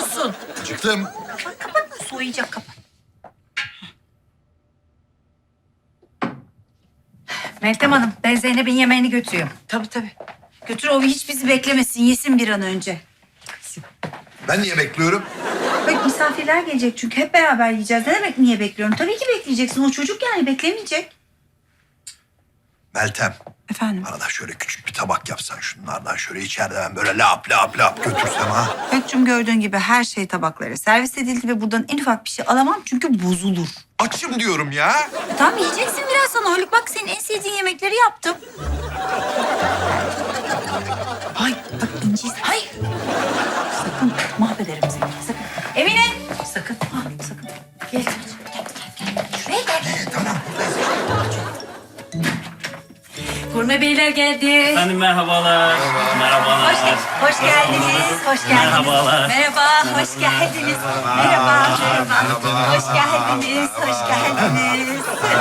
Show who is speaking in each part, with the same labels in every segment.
Speaker 1: acıkmıyorsun.
Speaker 2: Acıktım.
Speaker 1: Kapat, soğuyacak, kapat. Meltem Hanım, ben Zeynep'in yemeğini götürüyorum.
Speaker 3: Tabii.
Speaker 1: Götür, o hiç bizi beklemesin, yesin bir an önce.
Speaker 2: Ben niye bekliyorum?
Speaker 1: Bak misafirler gelecek çünkü hep beraber yiyeceğiz. Ne demek niye bekliyorum? Tabii ki bekleyeceksin. O çocuk yani beklemeyecek.
Speaker 2: Meltem,
Speaker 3: Efendim?
Speaker 2: bana da şöyle küçük bir tabak yapsan şunlardan şöyle içeride ben böyle lap götürsem ha.
Speaker 1: Öykücüğüm gördüğün gibi her şey tabaklara servis edildi ve buradan en ufak bir şey alamam çünkü bozulur.
Speaker 2: Açım diyorum ya.
Speaker 1: Tamam yiyeceksin birazdan Haluk. Bak senin en sevdiğin yemekleri yaptım. Ay bak İnci. Hayır. Sakın mahvederim seni. Sakın. Emine. Sakın. Ha, sakın. Gel. Şuraya gel.
Speaker 2: Tamam.
Speaker 1: Gurme beyler geldi.
Speaker 4: Efendim merhabalar. Merhabalar.
Speaker 1: Hoş geldiniz. Hoş geldiniz.
Speaker 4: Merhabalar.
Speaker 1: Merhaba. Hoş geldiniz. Merhaba. Hoş geldiniz. Hoş geldiniz.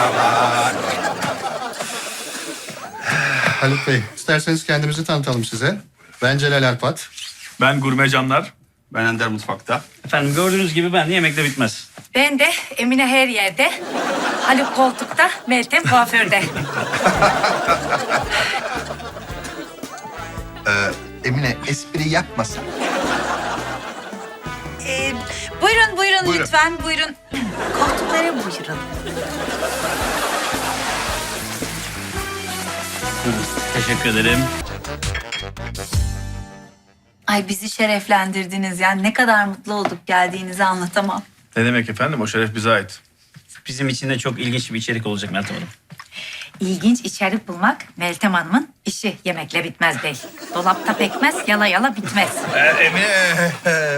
Speaker 5: Haluk Bey, isterseniz kendimizi tanıtalım size. Ben Celal Alpat.
Speaker 6: Ben Gurme Canlar.
Speaker 7: Ben Ender Mutfak'ta.
Speaker 4: Efendim gördüğünüz gibi ben de yemekte bitmez.
Speaker 1: Ben de Emine her yerde. Haluk koltukta, Meltem kuaförde.
Speaker 2: Emine espri yapmasın.
Speaker 1: Buyurun lütfen, buyurun. Koltuklara buyurun.
Speaker 4: Teşekkür ederim.
Speaker 1: Ay bizi şereflendirdiniz. Yani ne kadar mutlu olduk geldiğinizi anlatamam.
Speaker 6: Ne demek efendim? O şeref bize ait.
Speaker 4: Bizim için de çok ilginç bir içerik olacak Meltem Hanım.
Speaker 1: İlginç içerik bulmak Meltem Hanım'ın işi. Yemekle bitmez bey. Dolapta pekmez, yala yala bitmez.
Speaker 2: Emine.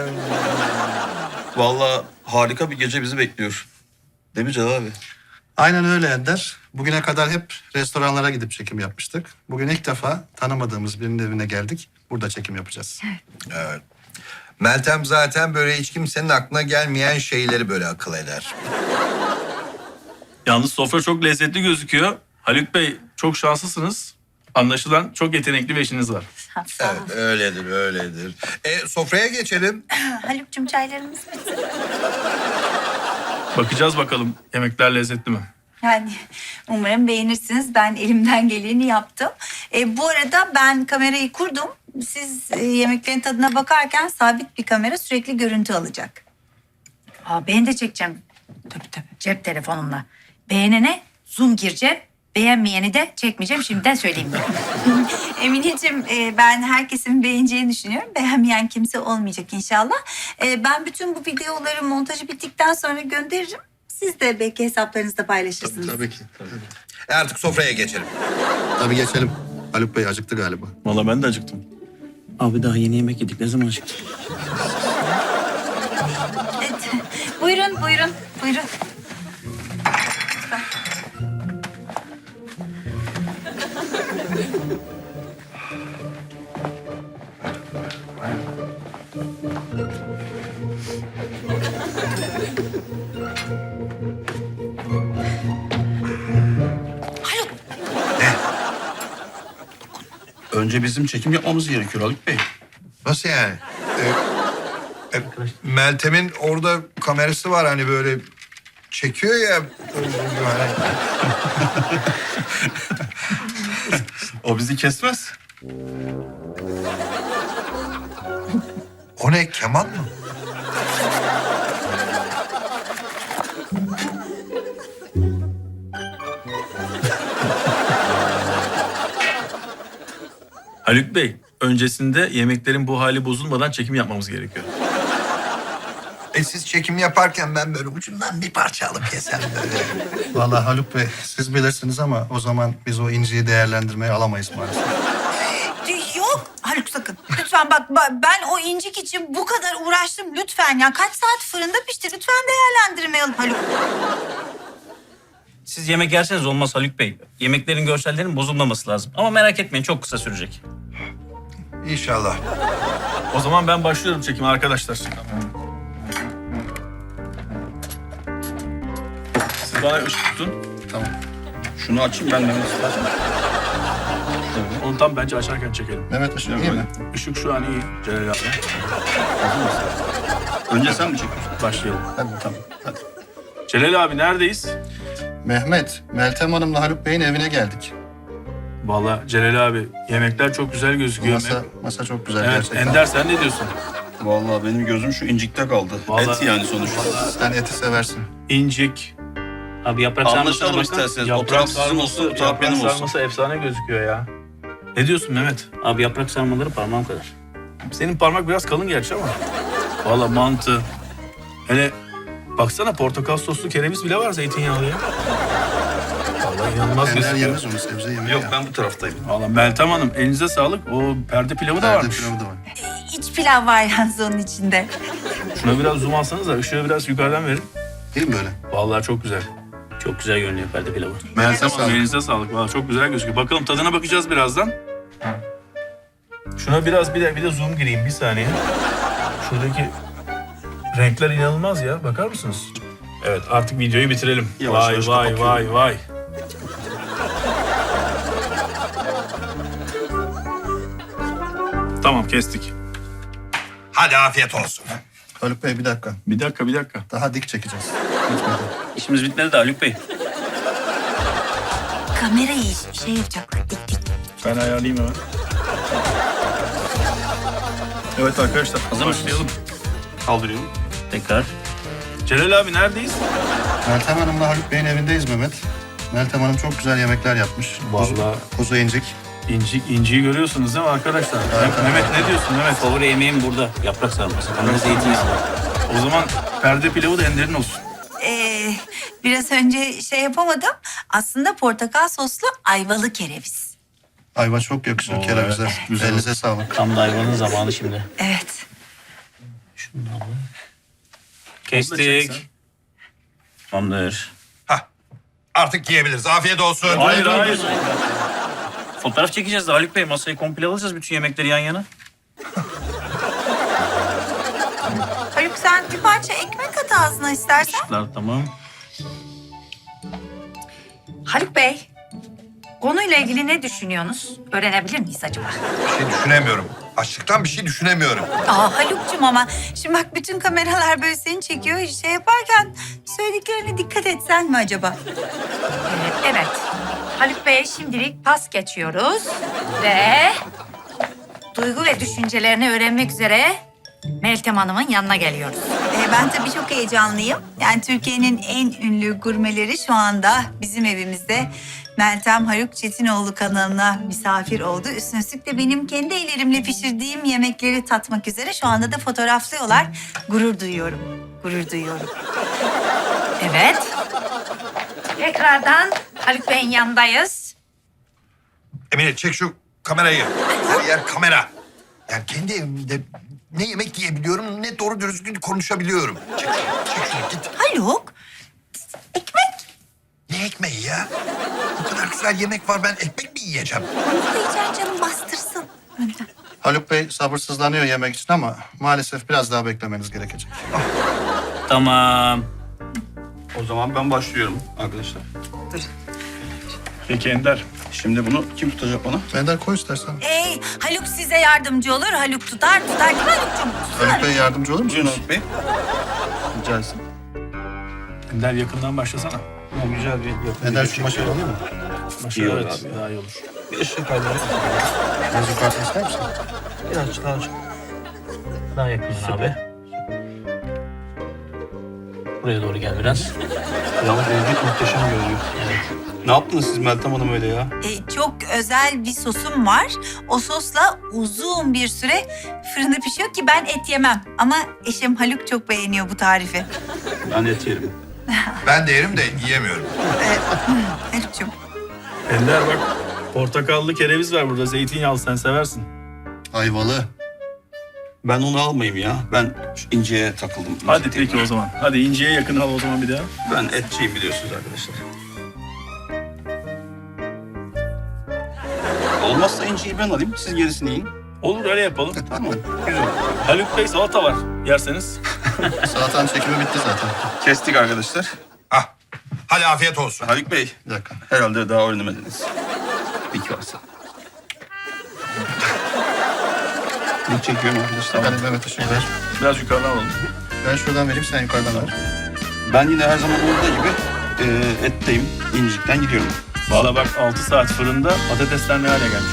Speaker 7: Vallahi harika bir gece bizi bekliyor. Değil mi Celal abi?
Speaker 5: Aynen öyle Ender. Bugüne kadar hep restoranlara gidip çekim yapmıştık. Bugün ilk defa tanımadığımız birinin evine geldik. Burada çekim yapacağız.
Speaker 2: Evet. Meltem zaten böyle hiç kimsenin aklına gelmeyen şeyleri böyle akıl eder.
Speaker 6: Yalnız sofra çok lezzetli gözüküyor. Haluk Bey çok şanslısınız. Anlaşılan çok yetenekli bir eşiniz var.
Speaker 1: Sağ olun.
Speaker 2: Evet, öyledir. Sofraya geçelim.
Speaker 1: Haluk'cum çaylarımız bitti.
Speaker 6: Bakacağız bakalım yemekler lezzetli mi?
Speaker 1: Yani umarım beğenirsiniz. Ben elimden geleni yaptım. Bu arada ben kamerayı kurdum. Siz yemeklerin tadına bakarken sabit bir kamera sürekli görüntü alacak. Ben de çekeceğim. Tabii. Cep telefonumla. Beğenene zoom gireceğim. Beğenmeyeni de çekmeyeceğim. Şimdiden söyleyeyim. Emineciğim ben herkesin beğeneceğini düşünüyorum. Beğenmeyen kimse olmayacak inşallah. Ben bütün bu videoları montajı bittikten sonra gönderirim. Siz de belki hesaplarınızda paylaşırsınız.
Speaker 5: Tabii ki.
Speaker 2: Artık sofraya geçelim.
Speaker 5: Tabii geçelim. Haluk Bey acıktı galiba.
Speaker 6: Vallahi ben de acıktım.
Speaker 4: Abi daha yeni yemek yedik. Ne zaman acıktık?
Speaker 1: Evet. Buyurun.
Speaker 7: Önce bizim çekim yapmamız gerekiyor Haluk Bey.
Speaker 2: Nasıl yani? Meltem'in orada kamerası var hani böyle çekiyor ya.
Speaker 7: O bizi kesmez.
Speaker 2: O ne, keman mı?
Speaker 6: Haluk Bey, öncesinde yemeklerin bu hali bozulmadan çekim yapmamız gerekiyor.
Speaker 2: Siz çekim yaparken ben böyle ucundan bir parça alıp yesem böyle.
Speaker 5: Vallahi Haluk Bey siz bilirsiniz ama o zaman biz o inciyi değerlendirmeye alamayız maalesef.
Speaker 1: Yok Haluk sakın. Lütfen bak ben o incik için bu kadar uğraştım. Lütfen ya kaç saat fırında pişti. Lütfen değerlendirmeyelim Haluk.
Speaker 4: Siz yemek yerseniz olmaz Haluk Bey. Yemeklerin görsellerinin bozulmaması lazım. Ama merak etmeyin çok kısa sürecek.
Speaker 2: İnşallah.
Speaker 6: O zaman ben başlıyorum çekime arkadaşlar. Siz bana ışık tutun.
Speaker 5: Tamam.
Speaker 7: Şunu açayım ben de istersen.
Speaker 6: Onu tam bence açarken çekelim.
Speaker 5: Mehmet ışık iyi mi?
Speaker 6: Işık şu an iyi Celal abi.
Speaker 7: Önce sen mi çekiyorsun?
Speaker 6: Başlayalım.
Speaker 5: Hadi tamam. Hadi.
Speaker 6: Celal abi neredeyiz?
Speaker 5: Mehmet, Meltem Hanım'la Haluk Bey'in evine geldik.
Speaker 6: Vallahi Celal abi yemekler çok güzel gözüküyor.
Speaker 5: Masa çok güzel
Speaker 6: Evet
Speaker 5: gerçekten.
Speaker 6: Ender sen ne diyorsun?
Speaker 7: Vallahi benim gözüm şu incikte kaldı.
Speaker 6: Vallahi-
Speaker 7: Et yani sonuçta.
Speaker 5: Sen eti seversin.
Speaker 6: İncik.
Speaker 4: Abi yaprak sarmasına
Speaker 7: Anlaşalım
Speaker 4: bakın.
Speaker 7: isterseniz. O
Speaker 6: Yaprak
Speaker 7: taraf sizin olsun, bu taraf
Speaker 6: yaprak
Speaker 7: benim olsun.
Speaker 6: sarması efsane gözüküyor ya. Ne diyorsun Mehmet?
Speaker 4: Abi yaprak sarmaları parmağım kadar.
Speaker 6: Senin parmak biraz kalın gerçi ama. Vallahi mantı. Hele baksana portakal soslu kereviz bile var zeytinyağlı ya. Vallahi inanılmaz
Speaker 5: Ender
Speaker 6: gözüküyor.
Speaker 5: yemez onu sebze yemeği
Speaker 7: Yok
Speaker 5: ya.
Speaker 7: ben bu taraftayım.
Speaker 6: Vallahi Meltem Hanım elinize sağlık. O perde pilavı da
Speaker 5: Perde
Speaker 6: varmış.
Speaker 5: pilavı da var.
Speaker 1: İç pilav var yalnız onun içinde.
Speaker 6: Şuna biraz zoom alsanız da ışığı biraz yukarıdan verin.
Speaker 5: Değil mi böyle?
Speaker 6: Vallahi çok güzel.
Speaker 4: Çok güzel görünüyor perde pilavı.
Speaker 6: Meltem Hanım
Speaker 5: sağlık.
Speaker 6: elinize sağlık. Vallahi çok güzel gözüküyor. Bakalım tadına bakacağız birazdan. Şuna biraz bir de zoom gireyim bir saniye. Şuradaki renkler inanılmaz ya. Bakar mısınız? Evet artık videoyu bitirelim.
Speaker 7: Yavaş
Speaker 6: Vay
Speaker 7: yavaş
Speaker 6: vay
Speaker 7: kapatıyorum.
Speaker 6: vay vay. Tamam kestik.
Speaker 2: Hadi afiyet olsun.
Speaker 5: Haluk Bey bir dakika.
Speaker 6: Bir dakika.
Speaker 5: Daha dik çekeceğiz. Bitmedi.
Speaker 4: İşimiz bitmedi de Haluk Bey.
Speaker 1: Kamerayı şey yapacaklar. Dik dik.
Speaker 6: Ben ayarlayayım hemen. Evet arkadaşlar
Speaker 4: Hazır mısınız?
Speaker 6: başlayalım.
Speaker 7: Kaldırıyorum.
Speaker 4: Tekrar.
Speaker 6: Celal abi neredeyiz?
Speaker 5: Meltem Hanım'la Haluk Bey'in evindeyiz Mehmet. Meltem Hanım çok güzel yemekler yapmış.
Speaker 6: Vallahi.
Speaker 5: Kuzu incik.
Speaker 6: İnciyi görüyorsunuz değil mi arkadaşlar? Mehmet ne diyorsun Mehmet?
Speaker 4: Favori yemeğim burada. Yaprak sarması. Ben de zeytinyağlı.
Speaker 6: O zaman perde pilavı da Ender'in olsun.
Speaker 1: Biraz önce şey yapamadım. Aslında portakal soslu ayvalı kereviz.
Speaker 5: Ayva çok yakışır
Speaker 6: Oo,
Speaker 5: kerevize.
Speaker 6: evet, güzel.
Speaker 5: Elinize sağlık.
Speaker 4: Tam da hayvanın zamanı şimdi.
Speaker 1: Evet.
Speaker 4: Kestik. Tamamdır.
Speaker 2: Hah. Artık yiyebiliriz. Afiyet olsun.
Speaker 6: Hayır.
Speaker 4: Fotoğraf çekeceğiz de Haluk Bey. Masayı komple alacağız bütün yemekleri yan yana.
Speaker 1: Haluk sen bir parça ekmek at ağzına istersen.
Speaker 4: Işıklar tamam.
Speaker 3: Haluk Bey, konuyla ilgili ne düşünüyorsunuz? Öğrenebilir miyiz acaba?
Speaker 2: Bir şey düşünemiyorum. Açlıktan bir şey düşünemiyorum.
Speaker 1: Haluk'cum ama şimdi bak bütün kameralar böyle seni çekiyor. Şey yaparken söylediklerine dikkat etsen mi acaba?
Speaker 3: Evet. Haluk Bey'e şimdilik pas geçiyoruz. Ve duygu ve düşüncelerini öğrenmek üzere Meltem Hanım'ın yanına geliyoruz.
Speaker 1: Ben tabii çok heyecanlıyım. Yani Türkiye'nin en ünlü gurmeleri şu anda bizim evimizde. Meltem Haluk Çetinoğlu kanalına misafir oldu. Üstüne üstlük de benim kendi ellerimle pişirdiğim yemekleri tatmak üzere şu anda da fotoğraflıyorlar. Gurur duyuyorum.
Speaker 3: Evet. Tekrardan Haluk Bey'in yanındayız.
Speaker 2: Emine çek şu kamerayı. Her yer kamera. Yani kendi evimde ne yemek yiyebiliyorum ne doğru düzgün konuşabiliyorum. Çek şunu git.
Speaker 1: Haluk, ekmek.
Speaker 2: Ne ekmeği ya? Bu kadar güzel yemek var, ben ekmek mi yiyeceğim?
Speaker 1: Onu da yiyeceksin canım bastırsın. Önden.
Speaker 5: Haluk Bey sabırsızlanıyor yemek için ama maalesef biraz daha beklemeniz gerekecek.
Speaker 4: Tamam.
Speaker 7: O zaman ben başlıyorum arkadaşlar.
Speaker 6: Peki Ender.
Speaker 7: Şimdi bunu kim tutacak bana?
Speaker 5: Ender koy istersen.
Speaker 1: Haluk size yardımcı olur. Haluk tutar değil mi Haluk'cum?
Speaker 5: Haluk Bey yardımcı olur
Speaker 7: Buyurun
Speaker 5: musunuz?
Speaker 7: Haluk Bey.
Speaker 5: Rica etsin.
Speaker 6: Ender yakından başlasana.
Speaker 7: Güzel bir
Speaker 5: Ender şu maşayı alıyor mu?
Speaker 6: Başla
Speaker 7: İyi olur
Speaker 6: evet.
Speaker 7: abi.
Speaker 6: Daha iyi olur.
Speaker 7: Bir ışık kaldırın.
Speaker 5: Biraz yukarıdan ister misin?
Speaker 7: Birazcık daha açık.
Speaker 4: Daha yakın abi. Buraya doğru gel biraz.
Speaker 7: Yalnız evcilik muhteşem görünüyor. Ne yaptınız siz Meltem Hanım öyle ya?
Speaker 1: Çok özel bir sosum var. O sosla uzun bir süre fırında pişiyor ki ben et yemem. Ama eşim Haluk çok beğeniyor bu tarifi.
Speaker 7: Ben et yerim.
Speaker 2: Ben de yerim de yiyemiyorum.
Speaker 1: Haluk'cum.
Speaker 6: Ender bak portakallı kereviz var burada. Zeytinyağlı sen seversin.
Speaker 5: Ayvalı.
Speaker 7: Ben onu almayayım ya. Ben şu inceye takıldım.
Speaker 6: Hadi peki o zaman. Hadi inciye yakın al o zaman bir daha.
Speaker 7: Ben etçiyim biliyorsunuz arkadaşlar. Olmazsa inciyi ben alayım. Siz gerisini yiyin.
Speaker 6: Olur öyle yapalım.
Speaker 7: Tamam. Güzel.
Speaker 6: Haluk Bey salata var yerseniz.
Speaker 5: Salatanın çekimi bitti zaten.
Speaker 7: Kestik arkadaşlar.
Speaker 2: Ah, hadi afiyet olsun.
Speaker 7: Haluk Bey.
Speaker 5: Bir dakika.
Speaker 7: Herhalde daha öğrenemediniz. İlk varsa. Çekiyorum arkadaşlar.
Speaker 5: Hadi Mehmet ışık ver.
Speaker 6: Biraz yukarıdan alalım.
Speaker 5: Ben şuradan vereyim, sen yukarıdan ver.
Speaker 7: Ben yine her zaman olduğu gibi etteyim. İncikten gidiyorum.
Speaker 6: Valla bak 6 saat fırında patatesler ne hale gelmiş.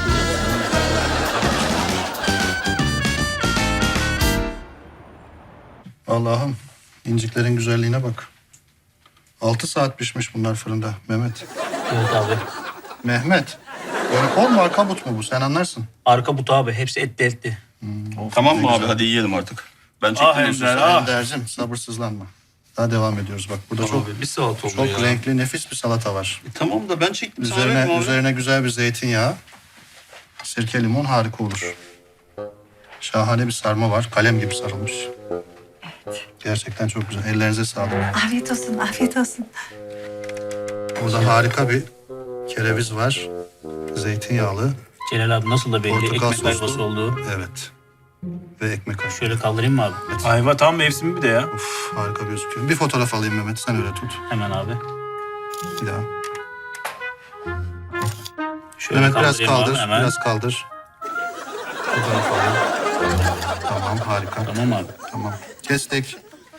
Speaker 5: Allah'ım, inciklerin güzelliğine bak. 6 saat pişmiş bunlar fırında Mehmet.
Speaker 4: Evet abi.
Speaker 5: Mehmet, böyle kol mu arka but mu bu? Sen anlarsın.
Speaker 4: Arka butu abi. Hepsi etli etli.
Speaker 7: Tamam mı abi? Hadi yiyelim artık. Ben çektim
Speaker 6: Ah
Speaker 7: diyorsun.
Speaker 6: Ender,
Speaker 7: sen.
Speaker 6: ah.
Speaker 5: Ender'cim sabırsızlanma. Daha devam ediyoruz bak. Burada
Speaker 7: Tamam
Speaker 5: çok
Speaker 7: abi, bir salata oldu
Speaker 5: çok
Speaker 7: ya.
Speaker 5: renkli, nefis bir salata var.
Speaker 7: Tamam da ben çektim. Sana verdim abi.
Speaker 5: Üzerine güzel bir zeytinyağı, sirke, limon harika olur. Şahane bir sarma var. Kalem gibi sarılmış. Gerçekten çok güzel. Ellerinize sağlık.
Speaker 1: Afiyet olsun, afiyet olsun.
Speaker 5: Burada harika bir kereviz var. Zeytinyağlı.
Speaker 4: Celal abi nasıl da belli.
Speaker 5: Portakal
Speaker 4: Ekmek ayvası
Speaker 5: soslu.
Speaker 4: olduğu.
Speaker 5: Evet. Ve ekmek kaşığı.
Speaker 4: Şöyle kaldırayım mı abi?
Speaker 6: Ayva tam mevsimi bir de ya.
Speaker 5: Uf, harika gözüküyor. Bir fotoğraf alayım Mehmet. Sen öyle tut.
Speaker 4: Hemen abi.
Speaker 5: Bir daha.
Speaker 4: Şöyle
Speaker 5: Mehmet biraz
Speaker 4: kaldırayım abi
Speaker 5: kaldır.
Speaker 4: hemen.
Speaker 5: Biraz kaldır. Fotoğraf alayım. Tamam harika.
Speaker 4: Tamam abi.
Speaker 5: Tamam. Kestik.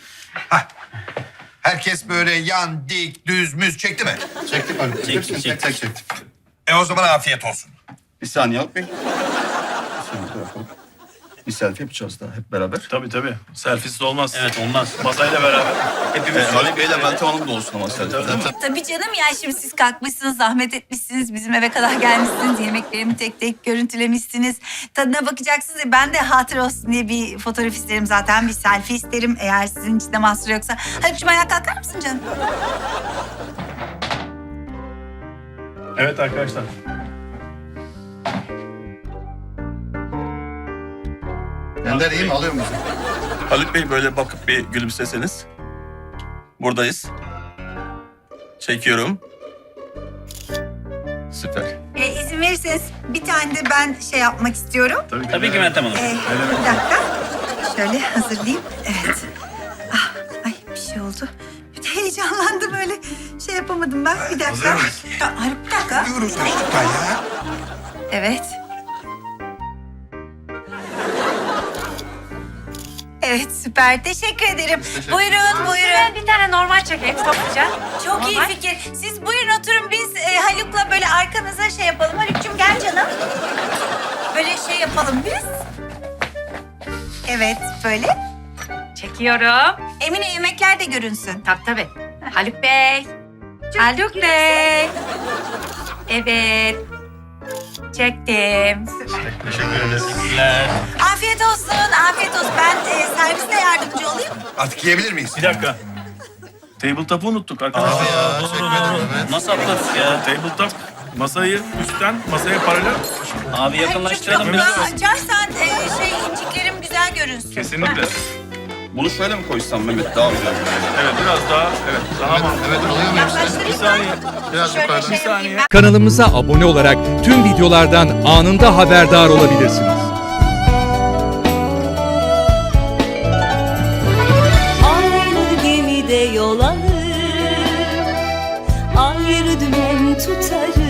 Speaker 2: Herkes böyle yan, dik, düz, müz çekti mi?
Speaker 5: Çektik abi. Hepsini tek tek çektik.
Speaker 2: O zaman afiyet olsun.
Speaker 7: Bir saniye Haluk Bey. Bir saniye bakalım. Bir selfie yapacağız daha hep beraber.
Speaker 6: Tabii. Selfiesiz olmaz.
Speaker 4: Evet olmaz.
Speaker 6: Masayla beraber. Hepimiz
Speaker 7: Haluk Bey'le Meltem Hanım da olsun ama selfie.
Speaker 1: Tabii canım ya, şimdi siz kalkmışsınız, zahmet etmişsiniz, bizim eve kadar gelmişsiniz, yemeklerimi tek tek görüntülemişsiniz. Tadına bakacaksınız. Ben de hatıra olsun diye bir fotoğraf isterim zaten, bir selfie isterim eğer sizin için de mahsur yoksa. Haluk'cum ayağa kalkar mısın canım?
Speaker 6: Evet arkadaşlar.
Speaker 5: Ender iyi mi? Alıyor musun?
Speaker 7: Haluk Bey böyle bakıp bir gülümseseniz. Buradayız. Çekiyorum. Süper.
Speaker 1: İzin verirseniz bir tane de ben şey yapmak istiyorum.
Speaker 4: Tabii ki Meltem Hanım.
Speaker 1: Bir dakika. Şöyle hazırlayayım. Evet. Ah, ay bir şey oldu. Bir de heyecanlandım öyle. Şey yapamadım ben. Bir dakika. Haluk bir dakika.
Speaker 2: Diyoruz çocuklar ya.
Speaker 1: Evet. Evet süper. Teşekkür ederim. Buyurun buyurun.
Speaker 3: Ben bir tane normal çekeyim topluca.
Speaker 1: Çok iyi
Speaker 3: Normal.
Speaker 1: fikir. Siz buyurun oturun, biz Haluk'la böyle arkanıza şey yapalım. Haluk'cum gel canım. Böyle şey yapalım biz. Evet böyle.
Speaker 3: Çekiyorum.
Speaker 1: Emine yemekler de görünsün.
Speaker 3: Tabii. Haluk Bey. Haluk Bey. Evet. Çektim.
Speaker 4: Teşekkürler.
Speaker 1: Afiyet olsun, afiyet olsun. Ben serviste yardımcı olayım.
Speaker 2: Artık yiyebilir miyiz?
Speaker 6: Bir dakika. Tabletop'u unuttuk arkadaşlar.
Speaker 4: Nasıl atladık ya?
Speaker 6: Tabletop masayı üstten masaya paralel.
Speaker 4: Abi yakınlaştıralım
Speaker 1: Çok
Speaker 4: biraz.
Speaker 1: daha açarsan inciklerim güzel görünsün.
Speaker 6: Kesinlikle.
Speaker 7: Bunu şöyle mi koysam Mehmet? Daha güzel.
Speaker 6: Evet biraz daha. Evet daha
Speaker 5: Evet,
Speaker 6: mantıklı.
Speaker 5: evet alıyor muyum?
Speaker 6: Bir saniye.
Speaker 5: Biraz
Speaker 1: Şöyle
Speaker 5: yukarıdan.
Speaker 1: şey yapayım ben.
Speaker 8: Kanalımıza abone olarak tüm videolardan anında haberdar olabilirsiniz.
Speaker 9: Aynı gemide yol alır, ayrı dümen tutarız.